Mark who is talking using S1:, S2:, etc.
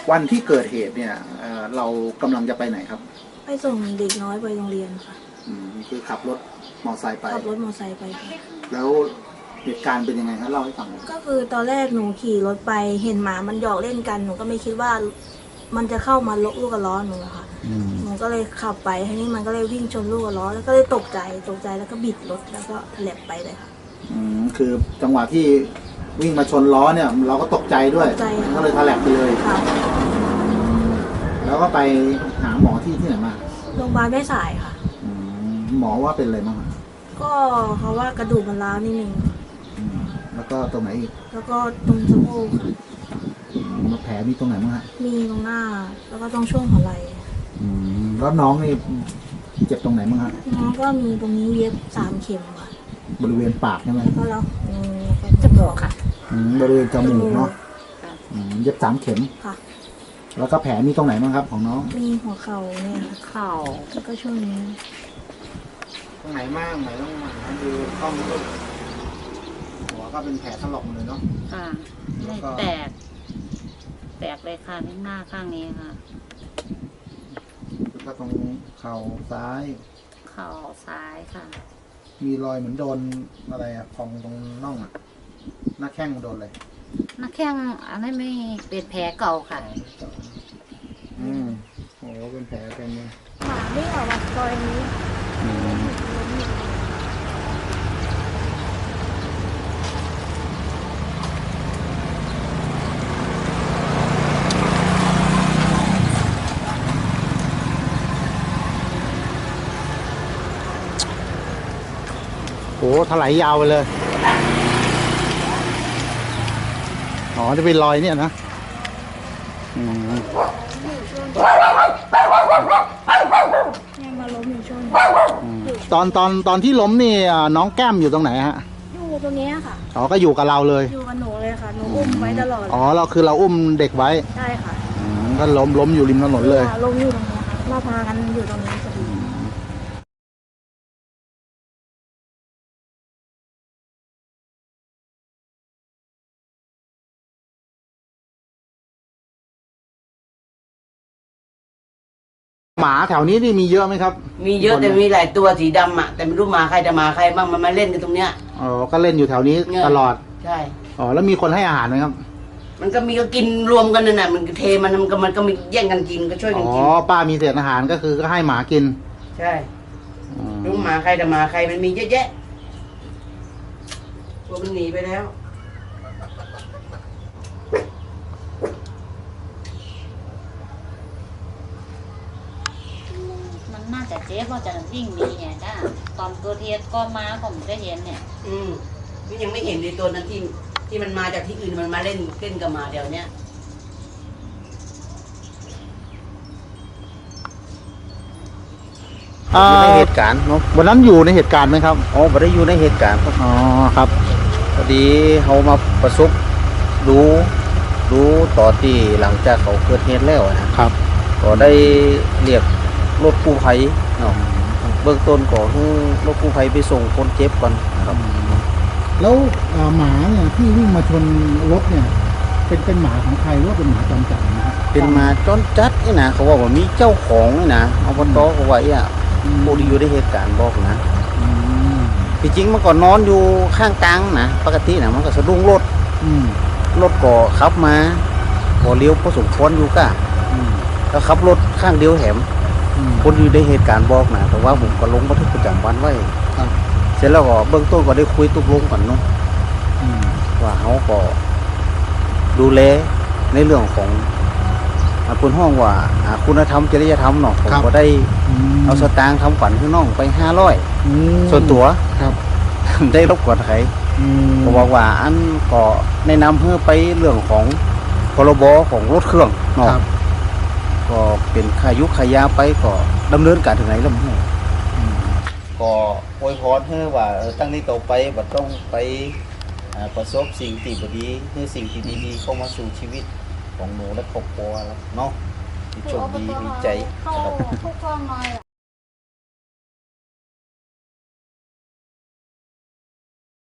S1: วันที่เกิดเหตุเนี่ยเรากำลังจะไปไหนครับ
S2: ไปส่งเด็กน้อยไปโรงเรียนค่ะ
S1: คือขับรถมอไซค์ไป
S2: ขับรถมอไซค์ไปค่ะ
S1: แล้วเหตุการณ์เป็นยังไงครับเล่าให้ฟัง
S2: ก็คือตอนแรกหนูขี่รถไปเห็นหมามันหยอกเล่นกันหนูก็ไม่คิดว่ามันจะเข้ามาลูกกระล้อหนูอะค่ะหนูก็เลยขับไปทีนี้มันก็เลยวิ่งชนลูกกระล้อแล้วก็เลยตกใจแล้วก็บิดรถแล้วก็แหลบไปเลยค่ะ
S1: คือจังหวะที่วิ่งมาชนล้อเนี่ยเราก็ตกใจด้วยก็เลยทะแหลกไปเลย
S2: ค่ะ
S1: แล้วก็ไปหาหมอที่ไหนมา
S2: โรงพยาบาลแม่สายค่ะ
S1: หมอว่าเป็นอะไรบ้าง
S2: ก็เขาว่ากระดูกมันร้าวนิดนึง
S1: แล้วก็ตรงไหนอีก
S2: แล้วก็ตรงสะโพกค่ะ
S1: แผลมีตรงไหนบ้างฮะ
S2: มีตรงหน้าแล้วก็ตรงช่วงหัวไหล่
S1: แล้วน้องนี่เจ็บตรงไหนบ้างฮะ
S2: น้องก็มีตรงนี้เย็บ3 เข็มค่ะ
S1: บริเวณปากใช่ไหม
S2: ก็แล้วจมูกค่ะ
S1: บริเวณจมูกเนาะเย็บ3 เข็ม
S2: ค่ะ
S1: แล้วก็แผลมีตรงไหนบ้างครับของน้อง
S2: มีหัวเข่าเนี่ย
S3: เข่า
S2: แล้วก็ช่วงนี้
S1: ตรงไหนมากไหนต้องมาดูกล้องลูกหัวก็เป็นแผลถลอกเลยเนาะ
S3: ไม่แตกเลยค่ะที่หน้าข้างนี้ค่ะ
S1: แล้วก็ตรงเข่าซ้าย
S3: ค่ะ
S1: มีรอยเหมือนโดนอะไรอะพองตรงน่องอะหน้าแข้งโดนเลย
S3: หน้าแข้งอันนี้ไม่เป็นแผลเก่าค่ะ
S1: โอ้เป็นแผลเต็มเลย
S2: หมาไม่ออกมาซอยนี้
S1: โอ้ถลายยาวไปเลยอ๋อจะเป็นรอยเนี่ยนะ
S2: เนี่ยมาล้มอยู่ช่วง
S1: ตอนที่ล้มนี่น้องแก้มอยู่ตรงไหนฮะ
S2: อยู่ตรงนี้ค่ะ
S1: อ๋อก็อยู่กับเราเลย
S2: อยู่กับหนูเลยค่ะหนูอุ้มไว้ตลอด
S1: อ๋อเราคือเราอุ้มเด็กไว้
S2: ใช่ค่ะ
S1: ก็ล้มอยู่ริมถนนเลย
S2: ล้มอยู่ตรงนี้ค่ะเราพากันอยู่ตรงนี้พอดี
S1: หมาแถวนี้นี่มีเยอะไหมครับ
S4: มีเยอะแต่มีหลายตัวสีดำอ่ะแต่ไม่รู้หมาใครจะหมาใครบ้างมันมาเล่นกันตรงเนี้ย
S1: อ๋อก็เล่นอยู่แถวนี้ตลอด
S4: ใช่
S1: อ๋อแล้วมีคนให้อาหารไหมครับ
S4: มันก็มีก็กินรวมกันนั่นแหละมันเทมันก็มีแย่งกันกินก็ช่วยกันกิน
S1: อ๋อป้ามีเศษอาหารก็คือก็ให้หมากิน
S4: ใช่รู้หมาใครแต่หมาใครมันมีเยอะแยะพวกมันหนีไปแล้ว
S3: น่าจะเจ๊เพราะจะยิ่งดีเนี่ยจ้าตอนเกิดเหตุก็มาผมจะเห็นเนี่ย
S4: มันยังไม่เห็นในตัวนั้นที่มันมาจากที่อื่นมันมาเล่นกับหมาเดี๋ยวเนี้ย
S5: ในเหตุการณ์เนาะ
S1: วันนั้นอยู่ในเหตุการณ์ไหมครับ
S5: อ๋อไม่ได้อยู่ในเหตุการณ์ครับ
S1: อ๋อครับ
S5: พอดีเขามาประสบรู้ต่อที่หลังจากเขาเกิดเหตุแล้ว
S1: นะครับ
S5: ก็ได้เรียกรถกู้ภัยเนาะเบื้องต้นก็คือรถกู้ภัยไปส่งคนเจ็บก่อนครับ
S1: แล้วหมาเนี่ยที่วิ่งมาชนรถเนี่ยเป็นหมาของใครหรือว่าเป็นหมาจรจัดนะครับ
S5: เป็นหมาจรจัดนี่นะเขาว่ามีเจ้าของนี่นะเอาบนโต๊ะเขาไว้ผู้ที่อยู่ในเหตุการณ์บอกนะที่จริงมันก็นอนอยู่ข้างตังนะปกตินะมันก็สะดุ้งรถก็ขับมาก็เลี้ยวพอสมควรอยู่ก็แล้วขับรถข้างเดียวแถมคนอยู่ในเหตุการณ์บอกนะแต่ว่าผมก็ลงบันทึกประจำวันไว้เสร็จแล้วก็เบื้องต้นก็ได้คุยตกลงกันเนาะว่าเขาก็ดูแลในเรื่องของคุณห้องว่าคุณธรรมจริยธรรมเนาะผมก็ได้เอาสตางค์ทำขวัญพี่น้องไป500ส่วนตัวได้รบกวนใครก็บอกว่าอันก็แนะนำเพื่อไปเรื่องของพรบของรถเครื่องเนาะก็เป็นขายุขายาไปก็ดำเนินการถึงไหนแล้วมั้งก็อวยพรให้ว่าตั้งนี้ต่อไปบัดต้องไปประสบสิ่งที่ดีคือสิ่งที่ดีๆเข้ามาสู่ชีวิตของหนูและครอบครัวแล้วเนาะที่โชคดีมีใจ